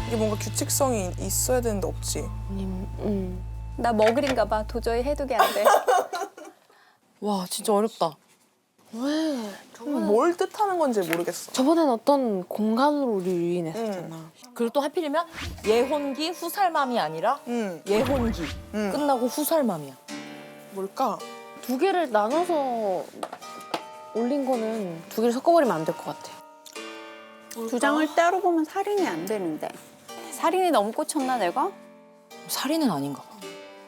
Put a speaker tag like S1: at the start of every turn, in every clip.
S1: 이게 뭔가 규칙성이 있어야 되는데 없지.
S2: 나 머글인가 봐. 도저히 해독이 안 돼.
S3: 와 진짜 어렵다.
S1: 뭘 뜻하는 건지 모르겠어.
S4: 저번엔 어떤 공간으로 유인했었잖아.
S3: 그리고 또 하필이면 예혼기 후살맘이 아니라 예혼기 끝나고 후살맘이야.
S1: 뭘까?
S4: 두 개를 나눠서 올린 거는 두 개를 섞어버리면 안 될 것 같아.
S2: 두 장을 따로 보면 살인이 안 되는데. 살인이 너무 꽂혔나 내가?
S3: 살인은 아닌가 봐.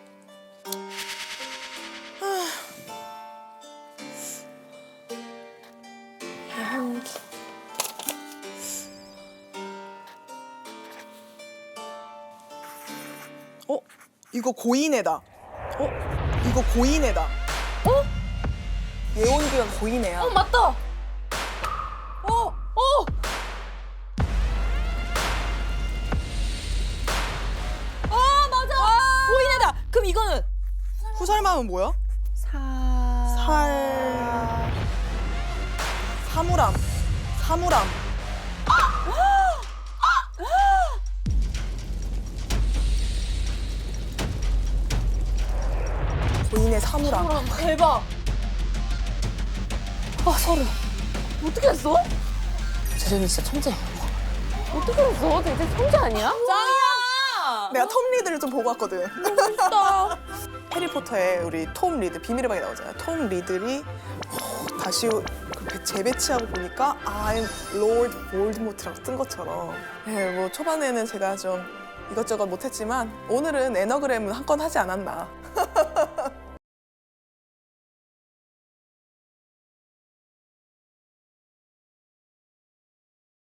S1: 이거 고인애다. 이거 고인애다. 예원기가 고인애야.
S3: 맞다. 맞아. 보이네다. 그럼 이거는
S1: 후살마음은 뭐야? 사물함. 고인의 사물함.
S3: 대박. 소름. 어떻게 했어? 재정이 진짜 천재야.
S4: 어떻게 알았어? 되게 천재 아니야?
S3: 짱이야.
S1: 내가 톰 리드를 좀 보고 왔거든.
S3: 멋있다.
S1: 해리포터에 우리 톰 리드 비밀의 방에 나오잖아요. 톰 리들이 다시 재배치하고 보니까 I'm Lord Voldemort라고 뜬 것처럼. 네, 뭐 초반에는 제가 좀 이것저것 못했지만 오늘은 에너그램은 한 건 하지 않았나.